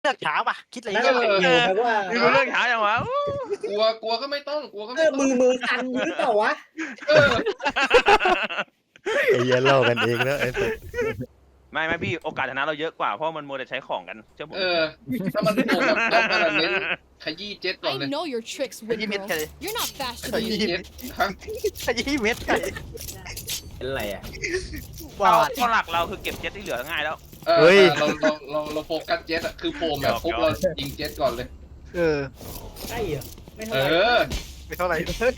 เลือกช้าป่ะคิดอะไรนั่นเงี้ยเองครับว่าไม่รู้เรื่องเช้าอย่างวะกลัวก็ไม่ต้องกลัวก็ไม่ต้องมือสั่นหรือเปล่าวะเออไอ้เหี้ยเล่ากันเองแล้วไอ้สัสไม่พี่โอกาสชนะเราเยอะกว่าเพราะมันมัวแต่ใช้ของกันเชื่อผมถ้ามันโผล่แบบแล้วมันเน้นขยี้เจ็ตก่อน I เลย know your tricks, ขยี้เม็ด Windmill. ไก่ You're not ข faster than ยี้ me. เจ็ตฮะขยี้เม็ดไก่เป็นไรอ่ะว้าวข้อหลักเราคือเก็บเจ็ตที่เหลือง่ายแล้วเราโฟกัสเจ็ตอะคือโผล่แบบปุ๊บเรายิงเจ็ตก่อนเลยเออใช่เหรอไม่เท่าเอไหร่อไม่เท่าไหร่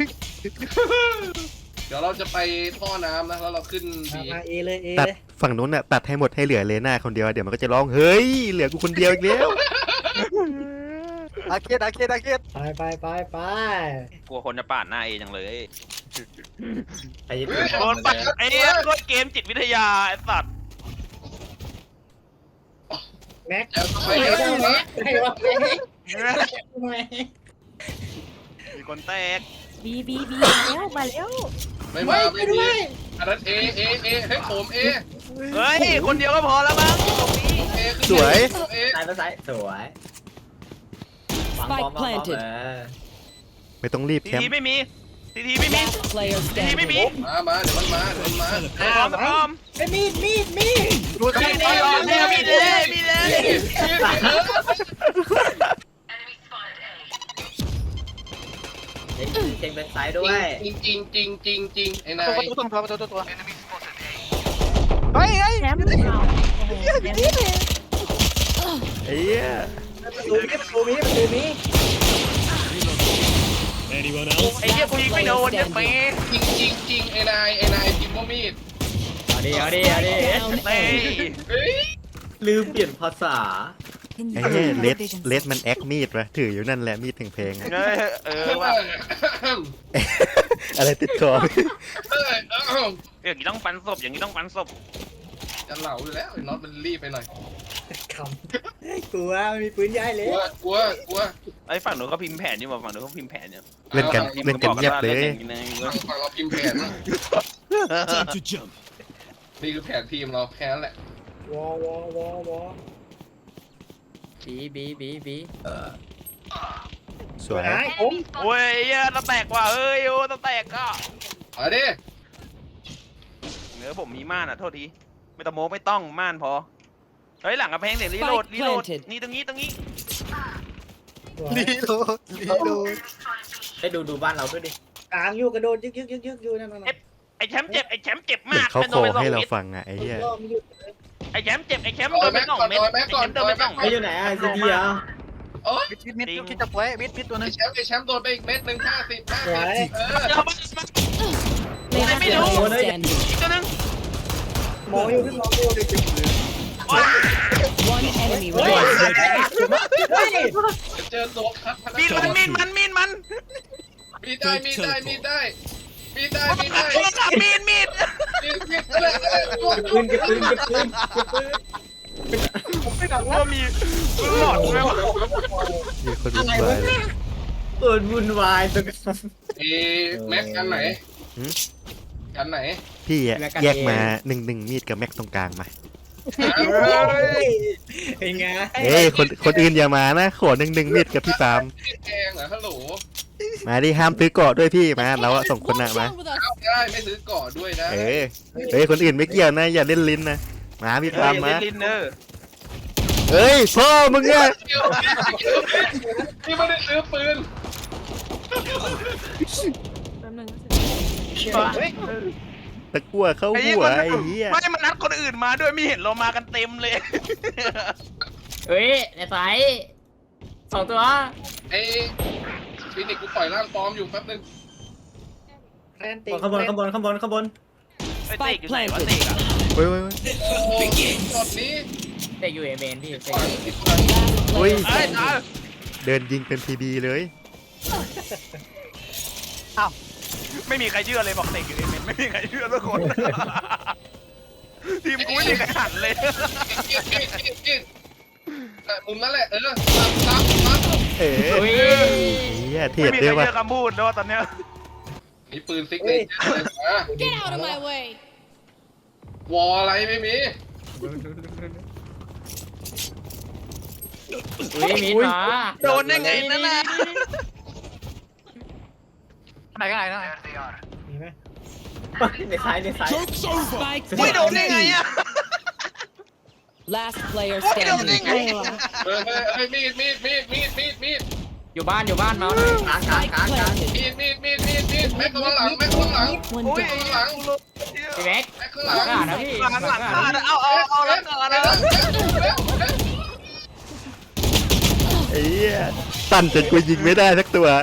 เดี๋ยวเราจะไปท่อน้ำนะแล้วเราขึ้นบีมาเอเลยเอตัดเลยฝั่งนู้นน่ะตัดให้หมดให้เหลือเลน่าคนเดียวเดี๋ยวมันก็จะร้องเฮ้ยเหลือกูคนเดียวอีกแล้วอาเคดไปกลัวคนจะปาดหน้าเอจังเลยไอ้ยี่โดนปัดไอ้โดนเกมจิตวิทยาไอ้สัตว์แม็กแล้วทำไมไอ้เดี๋ยววะไอ้วะทำไมมีคนแตกบีมาแล้วไม่มาไม่มีอันนั้นเอให้ผมเอเฮ้ยคนเดียวก็พอแล้วมั้งตรงนี้เอสวยเอซ้ายไปซ้ายสวยฟังบอมไม่ต้องรีบทีแคมทีป์ไม่มีทีทีไม่มี Last player ทีทีไม่มี standing. มาเดี๋ยวมันมาพร้อมพร้อมไอ้มีดดูสิมีเลยมีเลยเช็คเป็นซ้ายด้วยจริงไอ้นายตัวเฮ้ยแชมป์เราโอ้โหแชมป์ไอ้เหี้ยประตูมีไอ้เหี้ยกูยิงไม่โดนเนี่ยเป๊ะจริงไอ้นายจิมโมมีดเอาดิ Down เต้ A. เฮ้ยลืมเปลี่ยนภาษาไอ้เหี้ยเลสมันแอคมีดวะถืออยู่นั่นแหละมีดแพงๆอะว่าอะไรติดคออย่างนี้ต้องปันศพอย่างนี้ต้องปันศพจะเหลาอยู่แล้วน็อตมันรีบไปหน่อยคำกลัวมีปืนย้ายเลยกลัวไอ้ฝั่งนู้นเขาพิมพ์แผนอยู่ฝั่งนู้นเขาพิมพ์แผนอยู่เล่นกันเงียบเลยฝั่งเราพิมพ์แผนนี่คือแผนทีมเราแค่นั้นแหละวอบีสวยผมโอ้ยตะแตกว่ะเอ้ยโอ้ตะแตกก็มาดิเนื้อผมมีม่านอ่ะโทษทีไม่ต้องโม้ไม่ต้องม่านพอเฮ้ยหลังกระแพงเสียงรีโหลดนี่ตรงนี้ลีโลไปดูบ้านเราด้วยดิกลางอยู่กระโดดยึกอยู่นั่นไอ้แชมป์เจ็บเหมือมาน กเขาเป็นขโดอนไปสองให้เราเม็ดฟังอะไอ้เหี้ยไอ้แชมป์เจ็บไอ้แชมป์โดนไปสองเม็ดไอ้แชมป์โดนไปสองไอ้เม็ดอยู่ไหนอ่ะซีดีอ่ะโอ้ยมิดคิดจะไว้มิดตัวนึงไอ้แชมป์โดนไปอีกเม็ดหนึ่ง50 ไม่รู้ Player standing. อีกตัวนึงมองอยู่ One enemy remaining. เจอตัวคัดมีดมันมีได้โทรศัพท์มีดอะไรปืนเก็บปืนไม่ดังว่ามีหลอดไหมวะมีคนวุ่นวายเลยเปิดวุ่นวายตัวกันแม็กกันไหนกันไหนพี่อะแยกมาหนึ่งมีดกับแม็กตรงกลางมาเป็นไงเอ้ยคนอื่นอย่ามานะขอหนึ่งมีดกับพี่ปาล์มแกงเหรอฮัลโหลมาดิห้ามซื้อเกาะด้วยพี่มาเราอะส่งคน What's อะมา wrong with us? ได้ไม่ซื้อก่อด้วยนะเอ้ยคนอื่นไม่เกี่ยวนะอย่าเล่นลิ้นนะมาพี่ปาล์มมาลินเนอร์เฮ้ยพ่อมึงอะที่ไม่ได้ซื้อปืนแป๊บนึงตะกั่วเข้าหัวไอ้เหี้ยไม่มันนัดคนอื่นมาด้วยไม่เห็นเรามากันเต็มเลยเฮ้ยในสายสองตัวไอ้ฟินิกกูปล่อยร่างปลอมอยู่แป๊บนึงข้างบนไอ้เตกอยู่ไหนวะเตกอะเว้ยโอ้โหช็อตนี้เด็กอยู่เอเมนพี่ปล่อยเฮ้ยไอ้ตาเดินยิงเป็นพีบีเลยไม่มีใครเชื่อเลยบอกเตกอยู่เอเมนไม่มีใครเชื่อสักคนทีมกูไม่มีใครหันเลยมุมนั่นแหละตามเอ้เฮ้ยเหี้ยเทไม่ดมีใครด้วยวะเชื่อคำพูดด้วยตอนเนี้ยมีปืนซิกเนเจอร์ Get out of my way. วออะไรไม่มีอุ้ยมีดมาโดนได้ไงนั่นน่ะไหนกันไหนนะมีไหมในซ้ายในซ้าย Spike ไม่โดน down. ได้ไงอ่ะ Last player ไม่โดนได้ standing. ไงเฮ้ยมีดอยู่บ้านมาเลยกลาง Spike planted. มีดแม็กข้างหลังแม็กข้างหลัง One อุ้ย down. ข้างหลังพี่แม็กแม็กข้างหหลัลังงอ่ะนะพี่หลังคาเอาแล้วก่อนนะไอ้เหี้ยสั่นจนกูยิงไม่ได้สักตัว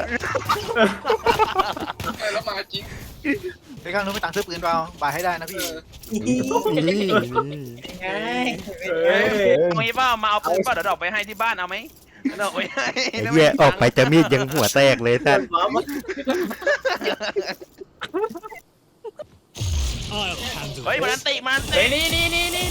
แล้วมาจริงไปข้างนู้นไปตังค์ซื้อปืนเปล่าบายให้ได้นะพี่นี่ไงเฮ้ยมีเปล่ามาเอาปืนเปล่าเดี๋ยวดอกไปให้ที่บ้านเอาไหมดอกไปให้ไอ้เหี้ยออกไปจะมีดยังหัวแตกเลยสัตว์เฮ้ยมันติมันเฮ้ติยนี่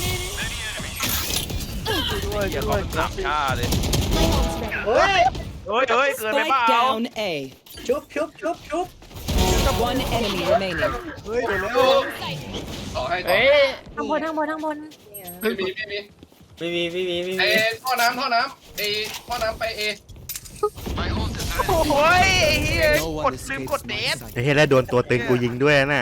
อย่าขอสามชาเลยเฮ้ยเฮ้ยเกินไปเป Spike ล่า down A. ชุบ One enemy remaining. เฮ้ยเดี๋ยวแล้วขอให้ต่อเฮ้ยข้างบนข้างบนข้างบนไม่มีไม่มีท่อน้ำท่อน้ำไปเอโอ้ยเฮียกดลืมกดเดทไอ้เหี้ยแล้วโดนตัวตึงกูยิงด้วยน่ะ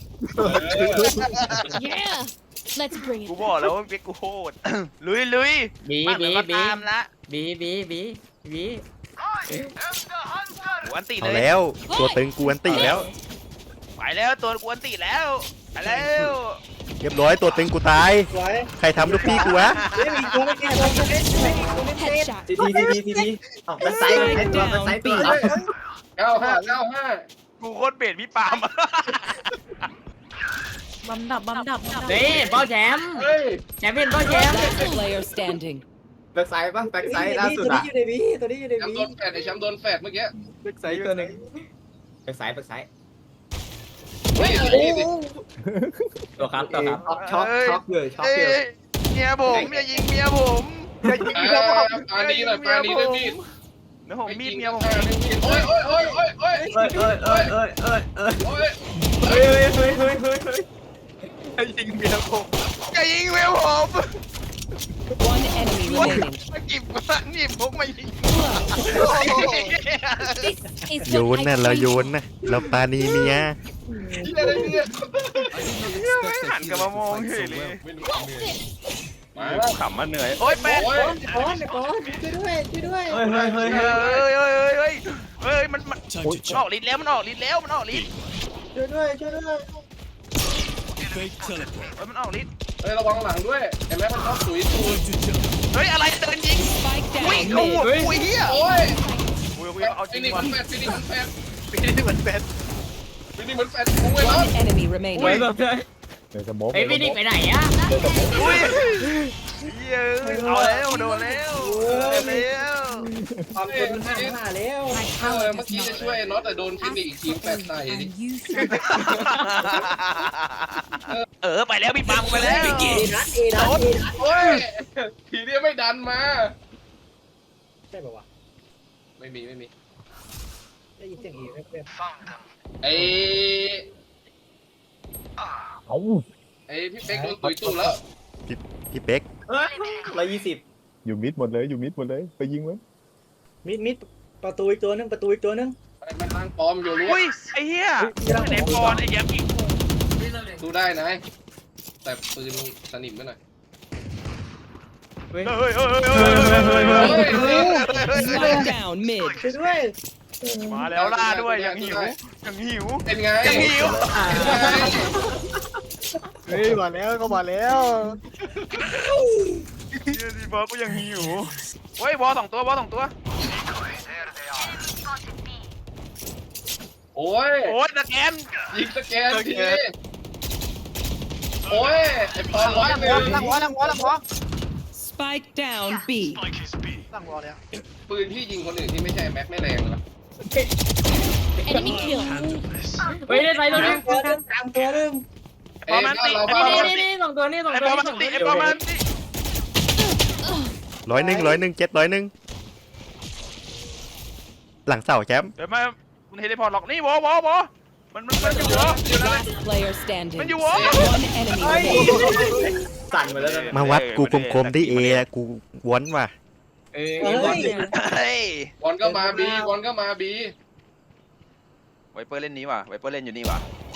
Yeah. Let's bring กูบอกแล้วว่าเบกกูโคตรลุยบีบ้านเหมือนก็ตามละบีกูอันติเลเอายแล้วตัวตึงกูอันติแล้วไปแล้วตัวกูอันติแล้วไปแล้วเรียบร้อยตัวตึงกูตายสวยใครทำลูกพี่กูวะเฮ้ยมีตัวไม่แก่ตัวไม่เล่นไม่มีตัวไม่เล่น Headshot. ทีออกเป็นไซส์เป็นตัวเป็นไซส์ตัว 95 กูโคตรเบสพี่ปาล์มบำดับบำดับเฮ้ยเป้าแชมป์เฮ้ยแชมป์เป็นเป้าแชมป์ Last player standing. แบ็กไซด์ป่ะแบ็กไซด์ล่าสุดตัวอ่ะนี้อยู่ในบีตัวนี้อยู่ในแชมบีป์โดนแฟดไอ้แชมป์โดนแฟดเมื่อกี้ใส่ตัวหนึ่งแบ็กไซด์เฮ้ยตัวครับช็อกเลยเอ้ยเมียผมอย่ายิงเมียผมอย่ายิงเมียผมปานีหน่อยปานีด้วยมีดเดี๋ยวผมมีดเมียผมโอ้ยอย่ายิงเมียผมอย่ายิงเมียผม One enemy remaining. มากิบมานี่ผมมายิง This is โยนน่ะเราโยนน่ะเราปานีเมียไม่หันกลับมามองเฉยเลยมาขำมาเหนื่อยโอ๊ยแป๊ะก้อนช่วยด้วยเฮ้ยมันออกฤทธิ์แล้วมันออกฤทธิ์แล้วมันออกฤทธิ์ช่วยด้วยมันออกฤทธิ์เฮ้ยระวังหลังด้วยเห็นไหมมันชอบสุยตูดเฮ้ยอะไรเดินยิง spike อุ้ย down เขาหัว mid. อุ้ยเฮียโอ้ยอุ้ยเอาจริฟิงนิกว่ะมันแฟดฟินิกมันแฟดปีนี้เหมือนเป็นฟินิกมันแฟดกูไว้แล้ว One enemy remaining. เฮ้ยพี่ดิไปไหนอ่ะอุ้ยเฮียเอาแล้วโดนแล้วแล้วความเป็นห้าแล้วเมื่อกี้จะช่วยน็อตแต่โดนฟินิกอีกทีแฟดใส่ดิไปแล้วพี่ปาล์มไปแล้วเอนัทโอ้ยทีเดียวไม่ดันมาใช่ป่าวะไม่มีได้ยินเสียงเอแว๊บไอ้พี่เป๊กโดนตุยตู้แล้วพี่เป๊ก 120 อยู่มิดหมดเลยอยู่มิดหมดเลยไปยิงมันมิดประตูอีกตัวนึงประตูอีกตัวนึงมันทางปลอมอยู่รู้อุ้ยไอ้เหี้ยไหนบอลไอ้ยักษ์อีกดูได้นะแต่ปืนสนิมไปหน่อยเฮ้ย Spike down mid. ช่วยด้วยมาแล้วล่าด้วยยังหิวเป็นไงเฮ้ยมาแล้วก็มาแล้วดีบอลก็ยังหิวเฮ้ยบอลสองตัวโอ้ยโอ้ยตะแกนยิงสแกนทีโอ้ยไอ้ปอมร้อยหนึ่งลังวอ Spike down B. ลังวอเลยปืนที่ยิงคนอื่นที่ไม่ใช่แม็กไม่แรงหรอ Enemy kill. เฮ้ยได้ไซส์ตัวนึงตัวนึงตามตัวนึงไอ้บ้านเราบ้านเรานี่สองตัวนี่สองไอ้ตัวบอลมันติไอ้บอลมันติ 100 เจ็ด100หลังเสาแชมป์เดี๋ยวมาคุณเฮลิพอร์ตหรอกนี่วอมันอยู่วอ Last player standing. มันอยู่วอ One enemy remaining. สั่นไปแล้วมาวัดกูกลมๆที่เอกูวอนว่ะเอ้ยบอลเนี่ยเฮ้ยบอลก็มาบีบอลก็มาบีไวเปอร์เล่นนี้ว่ะไวเปอร์เล่นอยู่นี่ว่ะ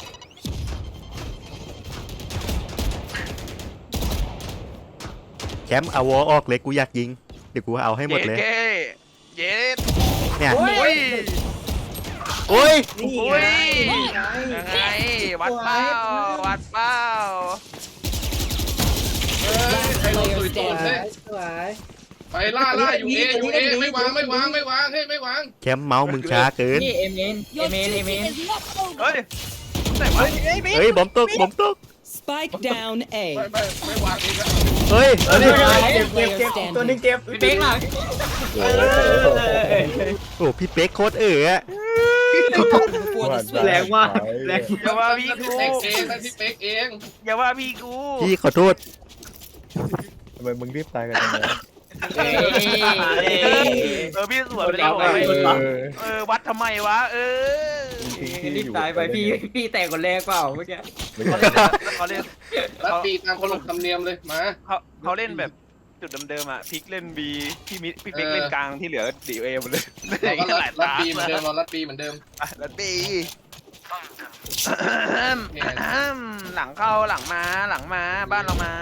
แชมป์เอาวอออกเลยกูอยากยิงเดี๋ยวกูเอาให้หมดเลยเย็ดเนี่ยโอ้ยโอ้ยนี่โอ้ไงยยังไงวัดเป้าวัดเป้าเฮ้ยใครลงตุยตูดเฮ้ยสวยไปล่าอยู่เอไม่วางเฮ้ยไม่วางแชมป์เมาส์มึงช้าเกินนี่เอเมนเฮ้ยไหนวะเฮ้ยบอมตกบอมตก Spike down A. ไม่วางเองนะเฮ้ยเอาดิตัวนึงเจ็บพี่เป๊กหลังโอ้พี่เป๊กโคตรอะแรงว่ะแรงอย่าว่าพี่กูเป๊กเองนั่นที่เป๊กเองอย่าว่าพี่กูพี่ขอโทษทำไมมึงรีบตายกันจังเลยพี่สวนไปแล้ววัดทำไมวะรีบตายไปพี่แต่คนแรกเปล่าเมื่อกี้ไม่ใช่เขาเล่นรัดปีตามขนบธรรมเนียมเลยมาเขาเล่นแบบจุดเดิมๆอ่ะพิกเล่นบีพี่เป๊กเล่นกลางที่เหลือดีเอหมดเลยเราก็รัดปีเหมือนเดิมเรารัดปีเหมือนเดิมรัดบีหลังเข้าหลังมาบ้านเรามา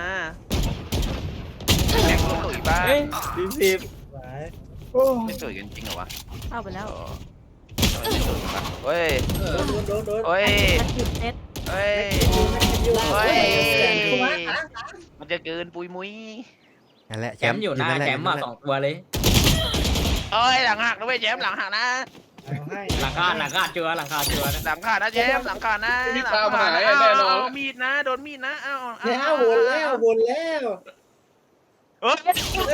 แข่งตุ๋ยบ้านสิบไม่ตุ๋ยกันจริงเหรอวะเข้าไปแล้วเฮ้ยโดนเฮ้ยเซ็ตเฮ้ย Last player standing. มันจะเกินปุยมุ้ยนั่นแหละแชมป์อยู่หน้าแชมป์มา2 ตัวเลยเอ้ยหลังหักนะเว้ยแจมหลังหักนะหลังคาเจือหลังคาเจือนะหลังขาดนะแจมหลังขาดนะมีดนะโดนมีดนะเอาแล้ววนแล้วเฮ้ย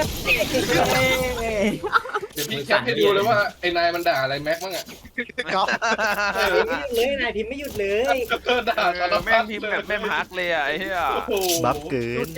เดี๋ยวพี่แคปให้ดูเลยว่าไอ้นายมันด่าอะไรแม็กมั้งอ่ะก๊อฟเลยนายพิมพ์ไม่หยุดเลยด่าสารแม่พังดพิมพ์แบบแม่งฮักเลยอ่ะไอ้เหี้ยโอ้โหบัฟเกิน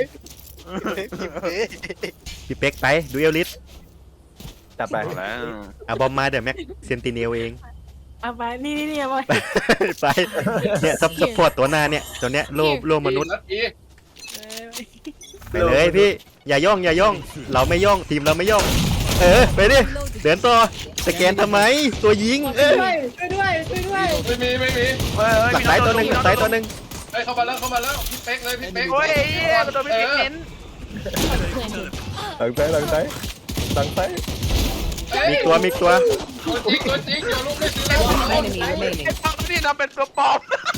พี่เป๊กไปดูเอลลิสจับไปแล้วเอาบอมมาเดี๋ยวแม็กเซนติเนลเองเอาไปนี่เอาไปไปเนี่ยซัพพอร์ตตัวหน้าเนี่ยตัวเนี้ยโลมนุษย์รัดปีไปเลยพี่อย่าย่องเราไม่ย่องทีมเราไม่ย่องไปดิเดินต่อสแกนทำไมตัวยิงช่วยด้วยไม่มีหลักซ้ายตัวหนึ่งหลักซ้ายตัวหนึ่งเฮ้ยเข้ามาแล้วพี่เป๊กเลยพี่เป๊กโอ้ยเหี้ยโดนไม่เน้นหลังซ้ายหลังซ้ายหลังซ้ายมีตัวตัวจริงเดี๋ยวลูกไม่ซื้อแล้ว One enemy remaining. นี่ทำเป็นตัวปลอม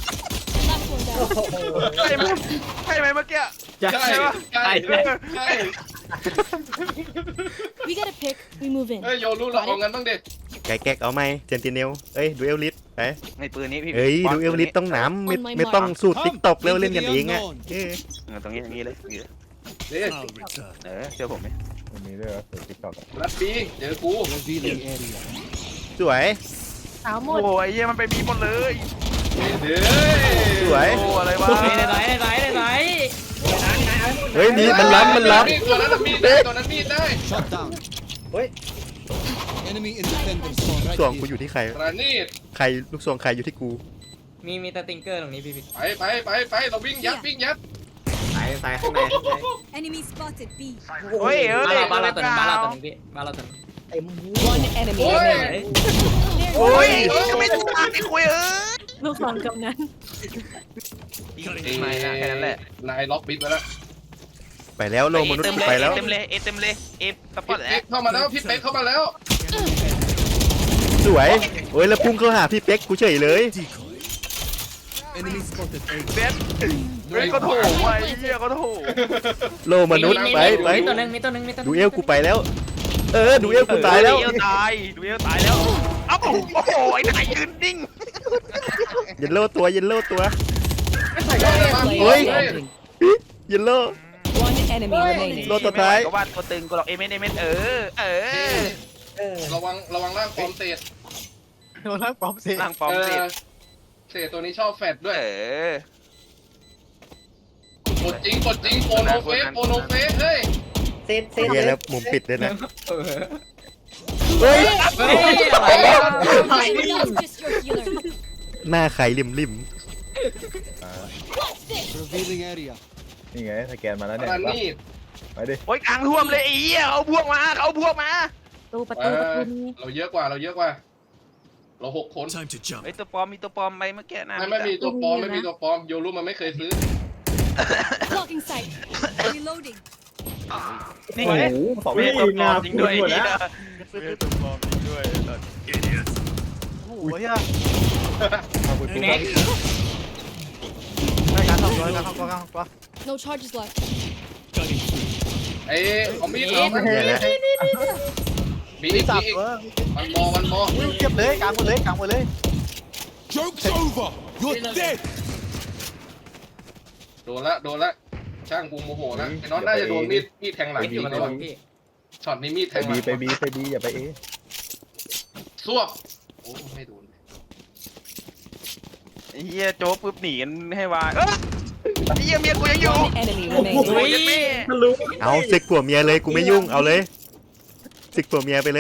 ใช่ไหมเมื่อกี้ใช่ We get a pick. We move in. เฮ้ยโยลูกเราเอางั้นบ้างดิไก่แก๊กเอาไหมเซนติเนลดูเอลลิสไปในปืนนี้พี่ดูเอลลิสต้องหนามไม่ต้องสูตรติ๊กตอกแล้วเล่นกันเองอ่ะตรงนี้อย่างนี้เลยเดี๋ยวเชื่อผมไหมมันมีด้วยเหรอติ๊กต็อกรัดปีเดี๋ยวกูสวยสาวหมโอ้ดยเหี้ยมันไปมีหมดเลยเดี๋ยวสวยโอ้อะไรวะไหนเฮ้ยมีมันล้ำตัวนั้นมีดได้ตัวนั้นมีดได้ลูกซองกูอยู่ที่ใครรานีดลูกซองใครอยู่ที่กูมีตาติงเกอร์ตรงนี้พี่ไปเราวิ่งยัดสายข้างใน Enemy spotted B. เฮ้ยบ้านเราตัวนึงพี่บ้านเราตัวนึงเต็ม One enemy โอ้ย remaining. โอ้ยไม่ถูกไม่คุยลูกศรกำนันไม่นะแค่นั้นแหละนายล็อกบิดไว้แล้วไปแล้วโลมนุษย์ไปแล้วเต็มเลยสปอร์ตแล้วเข้ามาแล้วพี่เป๊กเข้ามาแล้วสวยโอ้ยแล้วพุ่งเข้าหาพี่เป๊กกูเฉยเลยเบสเฮ้ยก็โถไอ้เหี้ยก็โถโลมนุษย์ไปมีตัวนึงดูเอลกูไปแล้วดูเอลกูตายแล้วดูเอลตายแล้วเอ้าโอ้โหไอ้นายยืนนิ่งเยลโล่ตัว Player Oi. standing. เยลโล่ One enemy remaining. โลตัวท้ายก็ว่าตัวตึงกูหรอกเอเมนระวังร่างฟอร์มเศษโดนล่างปลอมเสียนั่งฟอร์มสิเศษตัวนี้ชอบแฟดด้วยเกดจริงโปโนเฟสเฮ้ยเซ็ตเฮียแล้วมุมปิดด้วยนะเฮ้ย Just your healer. หน้าใครริมนี่ไงสแกนมาแล้วเนี่ยรานีดไปดิโอ้ยกลางท่วมเลยไอ้เหี้ยเขาพวกมาเขาพวกมาประตูมีเราเยอะกว่าเรา6 คนไอ้ตัวปลอมมีตัวปลอมไปเมื่อกี้นะไม่มีตัวปลอมไม่มีตัวปลอมโยรุมันไม่เคยซื้อ Blocking sight. Reloading. นี่โอ้ไงโหสองมีตัวปลอมจริงด้วยไอ้เหี้ยมีตัวปลอมจริงด้วยโอ้โหเฮียเอาคุณเน็กได้การทำตัวการทำตัวการทำตัว No charges left. ไอ้เอามีดเราแย่แล้วมีอีกจับมีอีกเออวันมอเก็บเลยกลางหมดเลยกลางหมดเลยโดนละช่างกูโมโหละไอ้น้องน่าจะโดนมีดแทงหลังเอ็ดอยู่ยิงกับก่ผอนมพี่ช็อตนี้มีดแทไปงหลับีงไปบีอย่าไปเอซวบโอ้ไม่โดนไอ้เหี้ยโจ๊กปุ๊บหนีกันให้วายไอ้เหี้ยเมียกูยังอยู่ One enemy โอ้ remaining. ยแม่ทะลุเอาศึกผัวเมียเลยกูไม่ยุ่งเอาเลยศึกผัวเมียไปเลย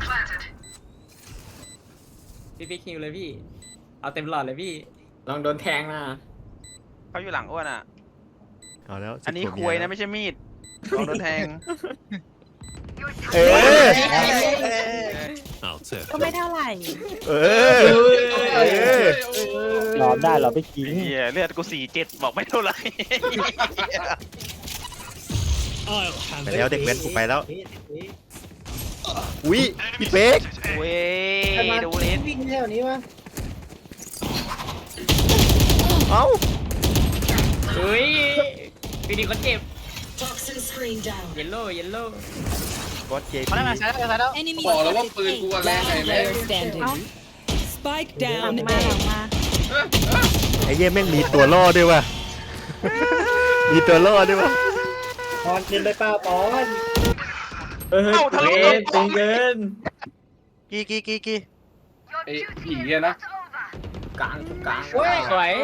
พี่คิวเลยพี่ เอาเต็มหลอดเลยพี่ ลองโดนแทงนะเขาอยู่หลังอ้วนอ่ะเอาแล้วศึอักนนี้ผัวคเมีวยยนะไม่ใช่มีดลองโดนแทงเออก็ไม่เท่าไหร่เออเออรอได้เราไปกินไอ้เหี้ยเลือดกู47บอกไม่เท่าไหร่ไปแล้วเด็กเว้นกูไปแล้วอุ้ยพี่เป๊กเว้ยดูนิดวิ่งแถวนี้วะเอ้าเฮ้ยพี่ดีคนเจ็บ Toxin screen down. เยลโล่บอสเจมาพีได้มาใช้ได้ใช้แล้ว Enemy บอกแล้วว่า spotted ปืน A. กูแรงไง Last แม่ player standing. Spike หลัง down มาหลั A. งมาไอ้เหี้ยแม่งมีตัวล่อด้วยว่ะมีตัวล่อด้วยว่ะปอนเกินไปเปล่าปอนเฮ้ยตึงเกินกี่ไอ้ผีอะนะกลางสวยเฮ้ย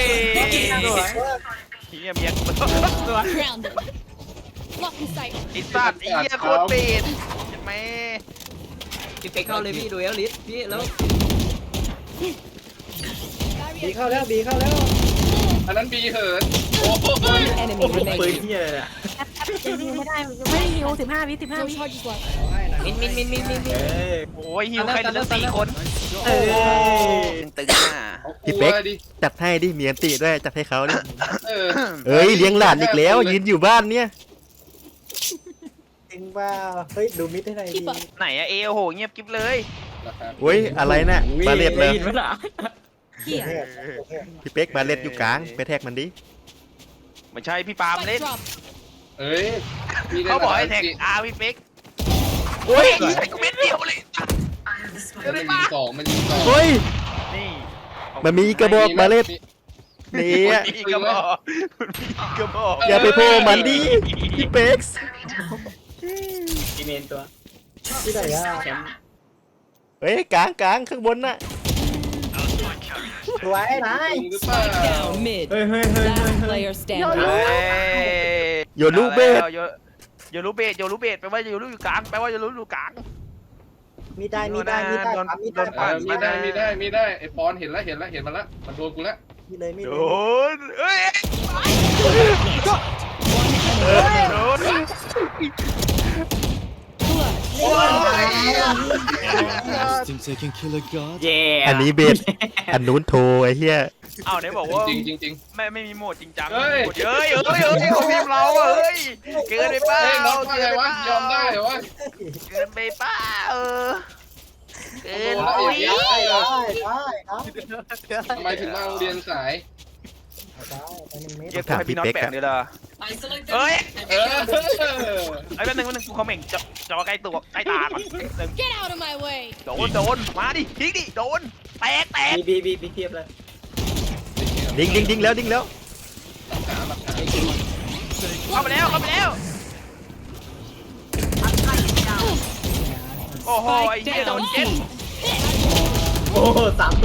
เหี้ยเมียกูสวย Grounded. Blocking sight. ไอ้สัตว์ไอ้เหี้ยโคตรเป็ดเห็นไหมพี่เป๊กเข้าเลยพี่ดูเอลลิสพี่แล้วบีเข้าแล้วบีเข้าแล้วอันนั้นบีเหินโอ้โห One enemy ปืน remaining. เฮียเลยอะยิงไม่ได้ไม่ได้ฮิว15 วิ No charges left. มินโอ้ยฮิวใครเหลือ4 คนเอ้ยตึงๆอ่ะเอากลัวดิจัดให้ดิเมียนติด้วยจัดให้เขาดิเออเอ้ยเลี้ยงหลานอีกแล้วยืนอยู่บ้านเนี่ยจริงเปล่าเฮ้ยดูมิดให้หน่อยดี Keep up. ไหนอะโอ้โหเงียบกิ๊บเลยราคาเฮ้ยอะไรน่ะบาเลตเลยได้ยินไหมล่ะ Here. พี่เป๊กบาเลตอยู่กลางไปแท็กมันดิไม่ใช่พี่ปาล์มเล่น Spike drop. เอ้ยมีได้เขาบอกให้แท็กอาร์พี่เป๊กโอ้ยใส่กูเม็ดเดียวเลยมันยิงสองมันยิงสองเฮ้ยนี่มันมีกระบอกบาเลตมีนี่อะกระบอกมีกระบอกอย่าไปโผล่มันดิพี่เป๊กอีเมนตัวที่ไหนอะแชมป์เฮ้ยกลางข้างบนน่ะสวยนายหรือเปล่า Down mid. เฮ้ย Last player เฮ้ standing. ยโยลูเบสโยลูเบสแปลว่าโยลูอยู่กลางแปลว่าโยลูอยู่กลางมีได้มีได้มีได้โดนปั๊มมีโดได้นปั๊มมีได้ไอ้ปอนเห็นแล้วมันละมันโดนกูละมีเลยมีโดเลยนเอ้ย โดนเย่อันนี้เบสอันนู้นโทรไอ้เหี้ยเอาไหนบอกว่าจริงจริงไม่มีโหมดจริงจังเฮ้ยเฮ้ยเขาพิมพ์เราอะเฮ้ยเกินไปเปล่าเฮ้ยน้องว่าไงวะยอมได้เหรอวะเกินไปเปล่าเกินโอ้โหโอ้ยได้เหรอได้ทำไมถึงมาโรงเรียนสายได้ไป1 เมตรเกี่ยวกับพี่น้องแปลกเลยล่ะเฮ้ยเออไอ้แป๊บนึงกูคอมเมนต์จอใกล้ตัวใกล้ตาก่อน Get out of my way. โดนมาดิทิ้งดิโดนแตกบีเทียบเลยดิ้งแล้วเข้าไปแล้วโอ้โหไอ้ Spike เหี้ยโด down นเจ็ด C. โอ้สามตัว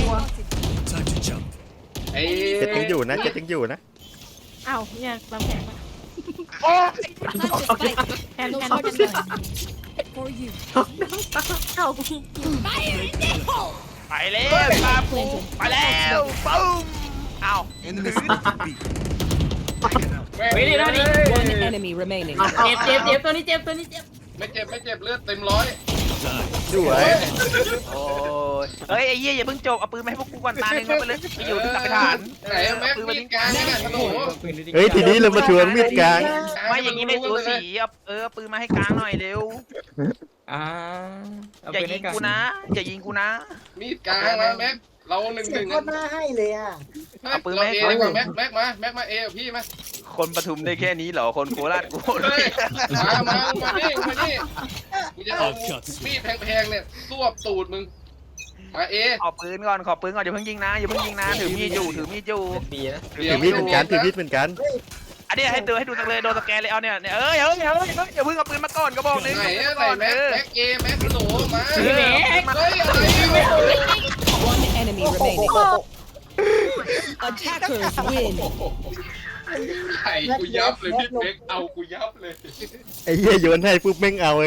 ไอ้เจ็ดยังอยู่นะเจ็ดยังอยู่นะอ้าวเนี่ยลำแข็งโอ้ย Plant the spike. แทน No แทน charges แทน left. For you. เข้า Fire in the hole. ไปแล้วครับไปแล้วปุ้มเอ้าแม่งเฮ้ยนี่นะนี่ One enemy remaining. เจ็บตัวนี้เจ็บไม่เจ็บเลือดเต็มร้อยสวยโอ้ยเฮ้ยไอ้เหี้ยอย่าเพิ่งจบเอาปืนมาให้พวกกูก่อนตาหนึ่งเอาไปเลยไปอยู่ที่กลับไปฐานไหนแม็กมีดกลางนี่ไงโอ้โหเฮ้ยทีนี้เรามาทวงมีดกลางไม่อย่างนี้ไม่สูสีเอาปืนมาให้กลางหน่อยเร็วอ่าอย่ายิงกูนะอย่ายิงกูนะมีดกลางนะแม็กเรา1-1 เสียงโคตรน่าให้เลยอ่ะเอาปืนมาให้เอดีกว่าแม็กมาเอพี่มาคนปทุมได้แค่นี้เหรอคนโคราชกูเฮ้ยมานี่กูจะเอามีดแพงๆเนี่ยสวบตูดมึงมาเอขอปืนก่อนอย่าเพิ่งยิงนะถือมีดอยู่บีนะถือมีดเหมือนกันถือมีดเหมือนกันอันนี้ให้ดูสักเลยโดนสแกนเลยเอาเนี่ยอย่าเพิ่งเอาปืนมาก่อนก็บอกนึงไหนแม็กเอแม็กโหลมาพี่แม็กเฮ้ยอะไร One enemy remaining. Attackers win. ไข่กูยับเลยพี่เป๊กเอากูยับเลยไอ้เหี้ยโยนให้ปุ๊บแม่งเอาเลย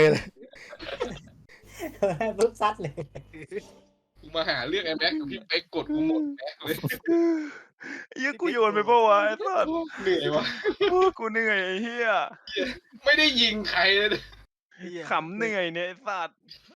ปุ๊บซัดเลยกูมาหาเรื่องไอ้แม็กกับพี่เป๊กกดกูหมดแม็กเลยยังกูโยนไปปะวะไอ้สัสเหนื่อยวะกูเหนื่อยไอ้เหี้ยไม่ได้ยิงใครเลยขำเหนื่อยเนี่ยไอ้สัส